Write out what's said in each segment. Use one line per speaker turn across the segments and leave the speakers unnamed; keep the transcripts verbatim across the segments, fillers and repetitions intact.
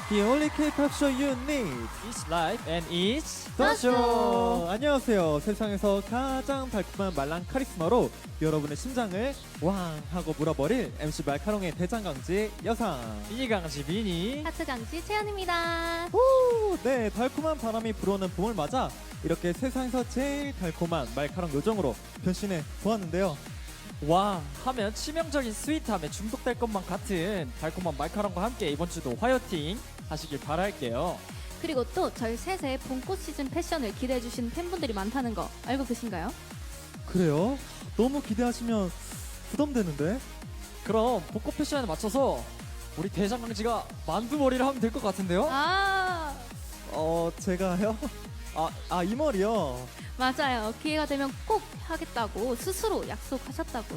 The only K-pop show you need.
It's live and it's
The show. 안녕하세요. 세상에서 가장 달콤한 말랑 카리스마로 여러분의 심장을 왕 하고 물어버릴 엠씨 말카롱의 대장강지 여상
이강지 비니
하트 강지 채연입니다.
오, 네, 달콤한 바람이 불어오는 봄을 맞아 이렇게 세상에서 제일 달콤한 말카롱 요정으로 변신해 보았는데요.
와 하면 치명적인 스윗함에 중독될 것만 같은 달콤한 말카롱과 함께 이번 주도 화이팅 하시길 바랄게요.
그리고 또 저희 셋의 봄꽃 시즌 패션을 기대해 주시는 팬분들이 많다는 거 알고 계신가요?
그래요? 너무 기대하시면 부담되는데?
그럼 벚꽃 패션에 맞춰서 우리 대장강지가 만두머리를 하면 될 것 같은데요?
아
어, 제가요? 아, 아, 이 머리요?
맞아요. 기회가 되면 꼭 하겠다고 스스로 약속하셨다고.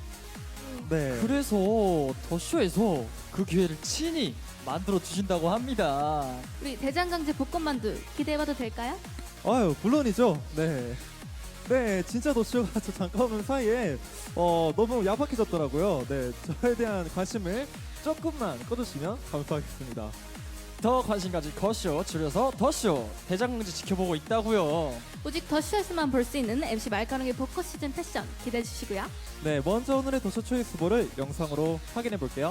네.
그래서 더쇼에서 그 기회를 친히 만들어 주신다고 합니다.
우리 대장강지 벚꽃만두 기대해봐도 될까요?
아유, 물론이죠. 네. 네, 진짜 도쇼가 저 잠깐만 사이에 어, 너무 야박해졌더라고요. 네, 저에 대한 관심을 조금만 꺼주시면 감사하겠습니다.
더 관심 가질 거쇼 줄여서 더쇼 대장강지 지켜보고 있다고요.
오직 더쇼에서만 볼 수 있는 엠씨 말가롱의 벚꽃 시즌 패션 기대해 주시고요.
네, 먼저 오늘의 도쇼 초이스 후보를 영상으로 확인해 볼게요.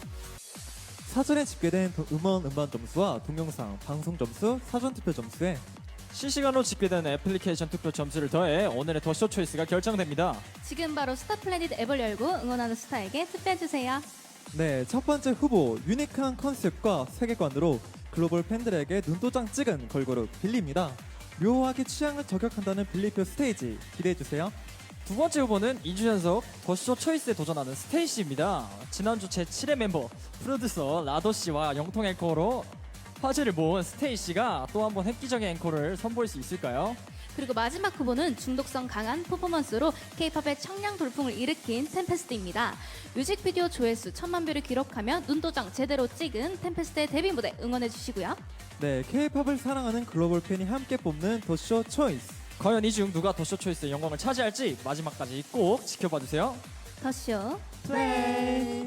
사전에 집계된 도- 음원 음반 점수와 동영상 방송 점수, 사전 투표 점수에
실시간으로 집계되는 애플리케이션 투표 점수를 더해 오늘의 더쇼 초이스가 결정됩니다.
지금 바로 스타플래닛 앱을 열고 응원하는 스타에게 투표해 주세요.
네, 첫 번째 후보 유니크한 컨셉과 세계관으로 글로벌 팬들에게 눈도장 찍은 걸그룹 빌리입니다. 묘하게 취향을 저격한다는 빌리표 스테이지 기대해주세요.
두 번째 후보는 이 주 연속 더쇼 초이스에 도전하는 스테이씨입니다. 지난주 제칠 회 멤버 프로듀서 라더씨와 영통 앵커로 화제를 모은 스테이씨가 또 한 번 획기적인 앵커를 선보일 수 있을까요?
그리고 마지막 후보는 중독성 강한 퍼포먼스로 K-팝의 청량 돌풍을 일으킨 템페스트입니다. 뮤직비디오 조회수 천만 뷰를 기록하며 눈도장 제대로 찍은 템페스트의 데뷔 무대 응원해 주시고요.
네, K-팝을 사랑하는 글로벌 팬이 함께 뽑는 더쇼 초이스.
과연 이 중 누가 더쇼 초이스의 영광을 차지할지 마지막까지 꼭 지켜봐 주세요.
더쇼
플레이.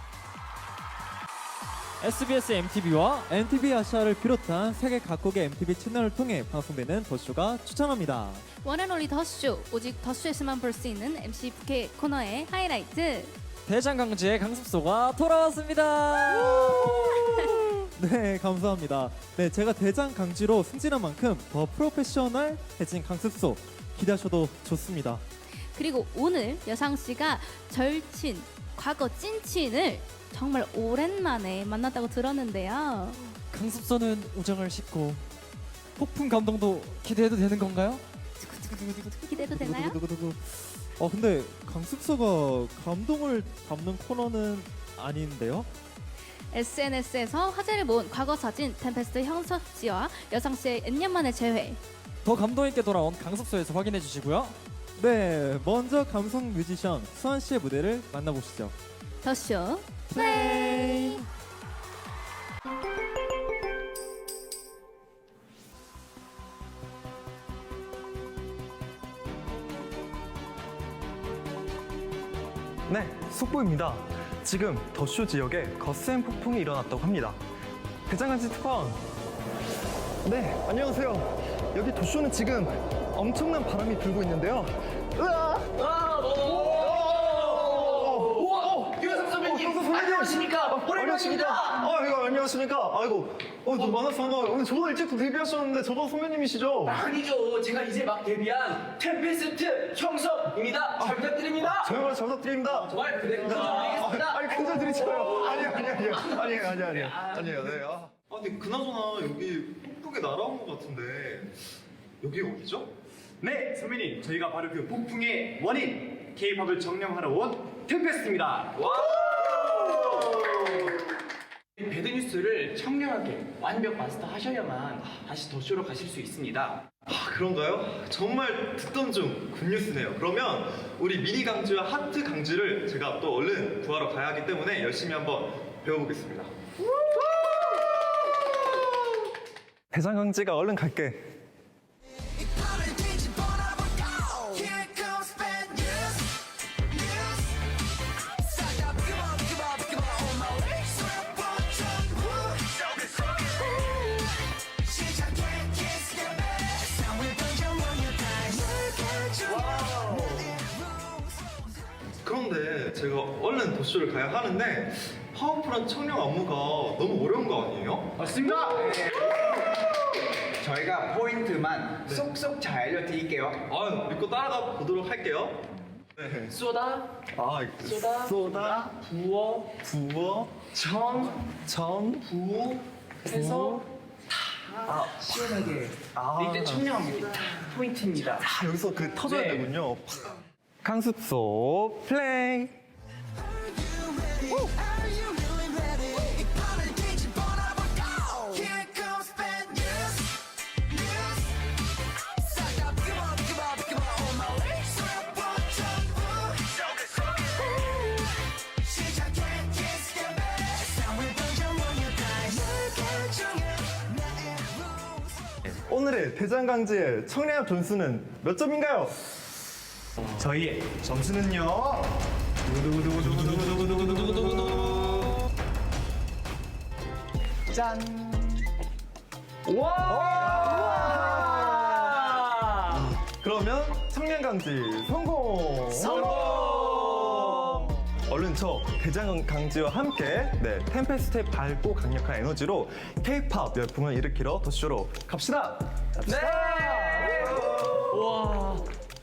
에스비에스 엠티비와
엠티비 아시아를 비롯한 세계 각국의 엠티비 채널을 통해 방송되는 더쇼가 추천합니다.
원앤올리 더쇼 오직 더쇼에서만 볼 수 있는 엠씨 부캐 코너의 하이라이트.
대장강지의 강습소가 돌아왔습니다.
네, 감사합니다. 네, 제가 대장 강지로 승진한 만큼 더 프로페셔널해진 강습소 기대하셔도 좋습니다.
그리고 오늘 여상 씨가 절친 과거 찐친을 정말 오랜만에 만났다고 들었는데요.
강습소는 우정을 싣고 폭풍 감동도 기대해도 되는 건가요?
기대도 되나요?
두구두구두구두구. 어, 근데 강습소가 감동을 담는 코너는 아닌데요?
에스엔에스에서 화제를 모은 과거 사진 템페스트 형섭 씨와 여상 씨의 몇 년 만의 재회.
더 감동 있게 돌아온 강습소에서 확인해 주시고요.
네, 먼저 감성 뮤지션 수환 씨의 무대를 만나보시죠.
더쇼
플레이.
네, 속보입니다. 지금 더쇼 지역에 거센 폭풍이 일어났다고 합니다. 대장간지 특파원. 네, 안녕하세요. 여기 도쇼는 지금 엄청난 바람이 불고 있는데요. 으아!
유현석 선배님,
어, 선배님.
안녕하십니까? 오랜만입니다.
아, 이거 안녕하십니까? 아이고, 어, 저 만나서 반가워요. 오늘 저보다 일찍 데뷔하셨는데 저보다 선배님이시죠?
아니죠. 제가 이제 막 데뷔한 템페스트 형섭입니다. 잘 부탁드립니다.
정말 잘 부탁드립니다.
정말 그대 부탁드리겠습니다.
아니, 큰절 드리잖아요. 아니, 아니, 아니, 아니, 아니, 아니, 아니에요, 네. 아, 근데 그나저나 여기 폭풍에 날아온 것 같은데 여기 어디죠?
네, 선배님, 저희가 바로 그 폭풍의 원인 K-팝을 정령하러 온 템페스트입니다. 배드뉴스를 청량하게 완벽 마스터하셔야만 다시 더쇼로 가실 수 있습니다.
아, 그런가요? 정말 듣던 중 굿뉴스네요. 그러면 우리 미니 강지와 하트 강지를 제가 또 얼른 구하러 가야 하기 때문에 열심히 한번 배워보겠습니다. 대장 강지가 얼른 갈게.
Come on, come on, come on, on my way. So I want you.
제가 얼른 도쇼를 가야 하는데 파워풀한 청량 안무가 너무 어려운 거 아니에요?
맞습니다.
저희가 포인트만 쏙쏙 잘 알려드릴게요.
아, 믿고 따라가 보도록 할게요. 네.
쏘다,
아,
쏘다,
쏘다,
부어,
부어,
정,
정,
부, 해서 다 시원하게.
아.
이때 청량합니다. 포인트입니다.
아, 여기서 그 터져야
네.
되군요. 강습소 플레이. 오늘의 대장강지의 청량함 점수는 몇 점인가요?
저희의 점수는요. 두구두구두구두구두구두구두구두구두구. 짠.
와!
그러면 청량강지 성공!
성공!
얼른 저 대장강지와 함께 네, 템페스트의 밝고 강력한 에너지로 K-팝 열풍을 일으키러 도쇼로 갑시다!
네! 와!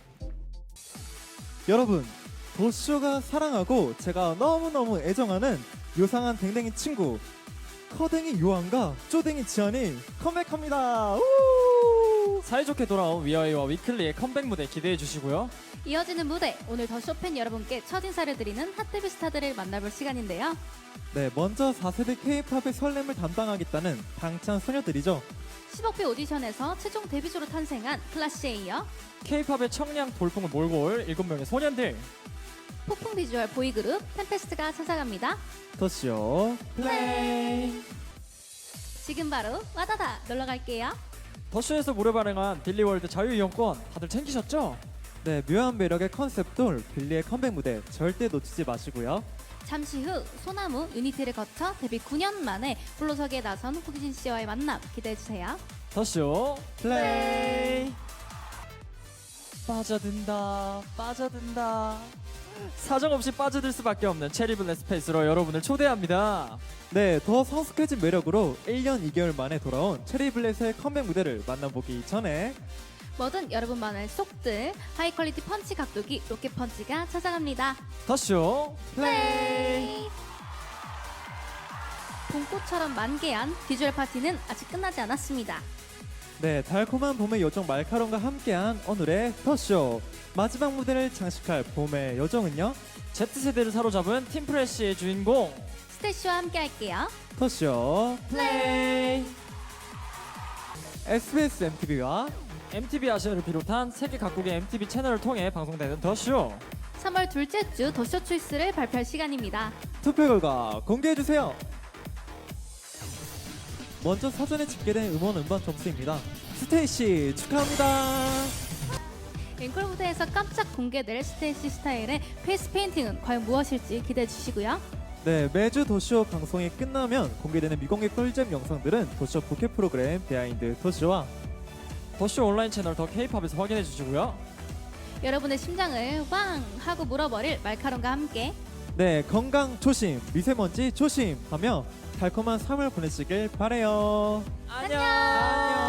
여러분, 도쇼가 사랑하고 제가 너무너무 애정하는 요상한 댕댕이 친구 커댕이 요한과 쪼댕이 지안이 컴백합니다. 우!
사이좋게 돌아온 위아이와 위클리의 컴백 무대 기대해 주시고요.
이어지는 무대, 오늘 더 쇼팬 여러분께 첫 인사를 드리는 핫데뷔 스타들을 만나볼 시간인데요.
네, 먼저 사 세대 K-팝의 설렘을 담당하겠다는 방탄소녀들이죠.
십억 배 오디션에서 최종 데뷔조로 탄생한 클래시에 이어
K-팝의 청량 돌풍을 몰고 올 일곱 명의 소년들.
폭풍 비주얼 보이그룹 템페스트가 찾아갑니다.
도쇼
플레이! 지금 바로 와다다 놀러 갈게요.
더쇼에서 무료 발행한 빌리월드 자유이용권 다들 챙기셨죠?
네, 묘한 매력의 컨셉돌 빌리의 컴백 무대 절대 놓치지 마시고요.
잠시 후 소나무 유니티를 거쳐 데뷔 구 년 만에 불로석에 나선 호기진 씨와의 만남 기대해주세요.
더쇼
플레이.
빠져든다 빠져든다 사정없이 빠져들 수밖에 없는 체리블랙 스페이스로 여러분을 초대합니다.
네, 더 성숙해진 매력으로 일 년 이 개월 만에 돌아온 체리블렛의 컴백 무대를 만나보기 전에
뭐든 여러분만의 속들 하이 퀄리티 펀치 각도기 로켓 펀치가 찾아갑니다.
더쇼
플레이! 봄꽃처럼 만개한 비주얼 파티는 아직 끝나지 않았습니다.
네, 달콤한 봄의 요정 말카롱과 함께한 오늘의 더쇼 마지막 무대를 장식할 봄의 요정은요,
Z세대를 사로잡은 팀프레쉬의 주인공
스테이시와 함께 할게요.
더쇼
플레이!
에스비에스 엠티비와
엠티비 아시아를 비롯한 세계 각국의 엠티비 채널을 통해 방송되는 더쇼.
삼월 둘째 주 더쇼 초이스를 발표할 시간입니다.
투표 결과 공개해주세요. 먼저 사전에 집계된 음원 음반 점수입니다. 스테이시 축하합니다.
앵콜 무대에서 깜짝 공개될 스테이시 스타일의 페이스 페인팅은 과연 무엇일지 기대해 주시고요.
네, 매주 도쇼 방송이 끝나면 공개되는 미공개 꿀잼 영상들은 도쇼 부캐 프로그램 비하인드 도쇼와
더쇼 온라인 채널 더 K-팝에서 확인해 주시고요.
여러분의 심장을 왕 하고 물어버릴 말카롱과 함께
네, 건강 조심, 미세먼지 조심하며 달콤한 삼월 보내시길 바래요.
안녕.
안녕.